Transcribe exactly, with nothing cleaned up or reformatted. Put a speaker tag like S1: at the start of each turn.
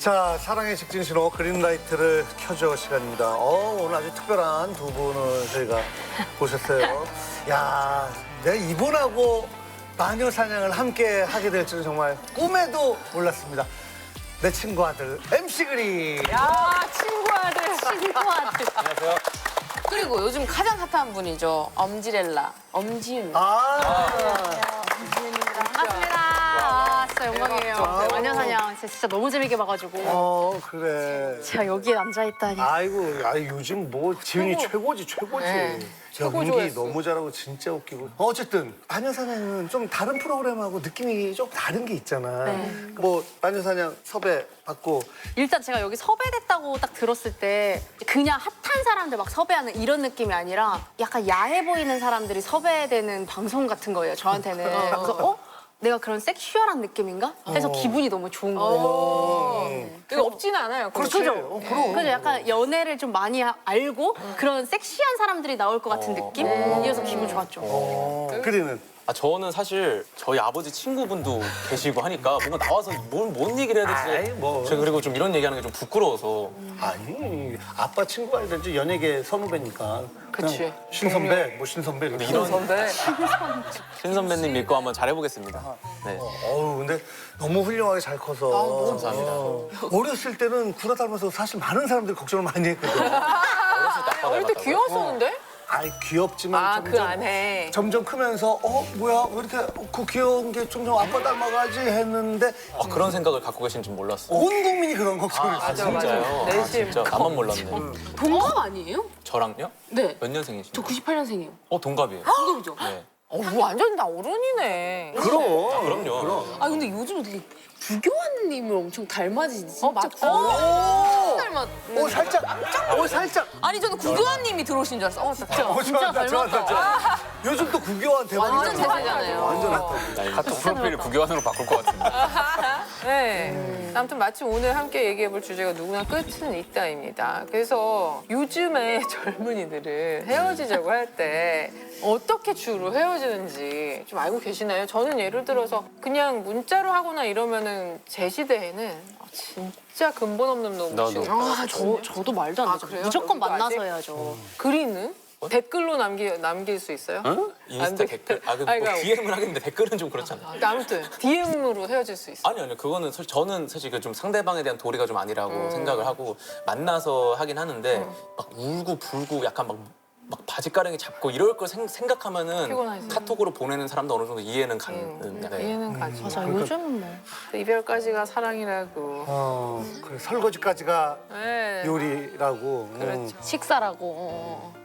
S1: 자, 사랑의 직진 신호 그린라이트를 켜줘 시간입니다. 어, 오늘 아주 특별한 두 분을 저희가 보셨어요. 야, 내가 이분하고 마녀 사냥을 함께 하게 될 줄은 정말 꿈에도 몰랐습니다. 내 친구 아들 엠씨 그린.
S2: 야, 친구 아들.
S3: 친구 아들.
S4: 안녕하세요.
S2: 그리고 요즘 가장 핫한 분이죠. 엄지렐라. 엄지윤.
S1: 아,
S3: 반갑습니다. 아, 진짜 영광이에요.
S1: 아,
S3: 마녀사냥 진짜 너무 재밌게 봐가지고.
S1: 어, 그래.
S3: 제가 여기에 앉아있다니.
S1: 아이고, 아 요즘 뭐 지훈이 최고지, 최고지.
S2: 네.
S1: 제가
S2: 최고
S1: 연기
S2: 좋아했어.
S1: 너무 잘하고 진짜 웃기고. 어쨌든 마녀사냥은 좀 다른 프로그램하고 느낌이 좀 다른 게 있잖아.
S3: 네.
S1: 뭐 마녀사냥 섭외 받고
S3: 일단 제가 여기 섭외됐다고 딱 들었을 때 그냥 핫한 사람들 막 섭외하는 이런 느낌이 아니라 약간 야해 보이는 사람들이 섭외되는 방송 같은 거예요, 저한테는. 그래서 어? 내가 그런 섹슈얼한 느낌인가? 해서 기분이 너무 좋은 거예요.
S2: 이거 없지는 않아요.
S1: 그렇지.
S3: 그죠?
S1: 어, 그럼.
S3: 그래서 약간 연애를 좀 많이 하- 알고 그런 섹시한 사람들이 나올 것 같은 느낌이어서 기분 좋았죠.
S1: 어, 그리는
S4: 아, 저는 사실 저희 아버지 친구분도 계시고 하니까 뭔가 나와서 뭘, 뭔 얘기를 해야 될지.
S1: 아이, 뭐.
S4: 제가 그리고 좀 이런 얘기하는 게 좀 부끄러워서.
S1: 아니 아빠 친구가 아니라 이제 연예계 선후배니까.
S2: 그치.
S1: 그냥 신선배, 뭐 신선배 이렇게.
S4: 이런
S2: 선배.
S4: 신 선배님 믿고 한번 잘해보겠습니다. 네.
S1: 어우 근데 너무 훌륭하게 잘 커서.
S4: 감사합니다.
S1: 어. 어렸을 때는 구라 닮아서 사실 많은 사람들이 걱정을 많이 했거든.
S4: 어렸을 때 아빠
S2: 어릴 때
S4: 닮았다고.
S2: 귀여웠었는데?
S1: 아이 귀엽지만
S2: 아,
S1: 점점,
S2: 그 안에.
S1: 점점 크면서 어 뭐야 왜 이렇게 그 귀여운 게 점점 아빠 닮아가지 했는데
S4: 아, 그런 생각을 갖고 계신 줄 몰랐어요.
S1: 온 국민이 그런 걱정을
S4: 아,
S1: 했어.
S4: 진짜요? 아,
S2: 내심.
S4: 진짜 나만 몰랐네.
S2: 동갑 아니에요?
S4: 저랑요?
S2: 네.
S4: 몇 년생이시죠?
S2: 저 구십팔 년생이에요.
S4: 어, 동갑이에요.
S2: 동갑이죠?
S4: 네.
S2: 어, 뭐 완전 나 어른이네.
S1: 그럼.
S4: 아, 그럼요.
S5: 아 근데 요즘 어떻게 구교환님을 엄청 닮아지지 진짜.
S2: 어, 맞다. 오! 닮았.
S1: 오 살짝 오 살짝
S2: 아니, 저는 구교환님이 들어오신 줄 알았어. 어, 진짜.
S1: 어 좋아한다 좋아한다 좋아한다. 요즘 또 구교환 대박이잖아.
S2: 완전 제세잖아요.
S1: 완전 핫하고.
S4: 나 카톡 프로필 구교환으로 바꿀 것 같은데.
S2: 네. 아무튼 마침 오늘 함께 얘기해볼 주제가 누구나 끝은 있다입니다. 그래서 요즘의 젊은이들은 헤어지자고 할 때 어떻게 주로 헤어지는지 좀 알고 계시나요? 저는 예를 들어서 그냥 문자로 하거나 이러면은 제 시대에는 아, 진짜 근본 없는 놈
S4: 나도.
S2: 취급
S3: 아, 저, 저도 말도 안
S2: 아,
S3: 되죠.
S2: 그래요?
S3: 무조건
S2: 여기도
S3: 만나서
S2: 아직?
S3: 해야죠.
S2: 글이는? 댓글로 남기, 남길 수 있어요?
S4: 인스타
S2: 안 돼.
S4: 댓글. 아, 그
S2: 아니,
S4: 뭐
S2: 그러니까-
S4: 디엠을 하겠는데 댓글은 좀 그렇잖아.
S2: 그러니까 아무튼 디엠으로 헤어질 수 있어요.
S4: 아니 아니요 그거는 사실 저는 사실 그 좀 상대방에 대한 도리가 좀 아니라고
S2: 음.
S4: 생각을 하고 만나서 하긴 하는데 막 울고 불고 약간 막, 막 바지가랑이 잡고 이럴 걸 생, 생각하면은
S2: 피곤하지.
S4: 카톡으로 보내는 사람도 어느 정도 이해는 가는.
S2: 음,
S4: 네.
S2: 이해는 가지.
S3: 맞아, 요즘은 뭐.
S2: 이별까지가 사랑이라고.
S1: 어 그래 설거지까지가
S2: 네.
S1: 요리라고. 음.
S2: 그렇죠.
S3: 식사라고.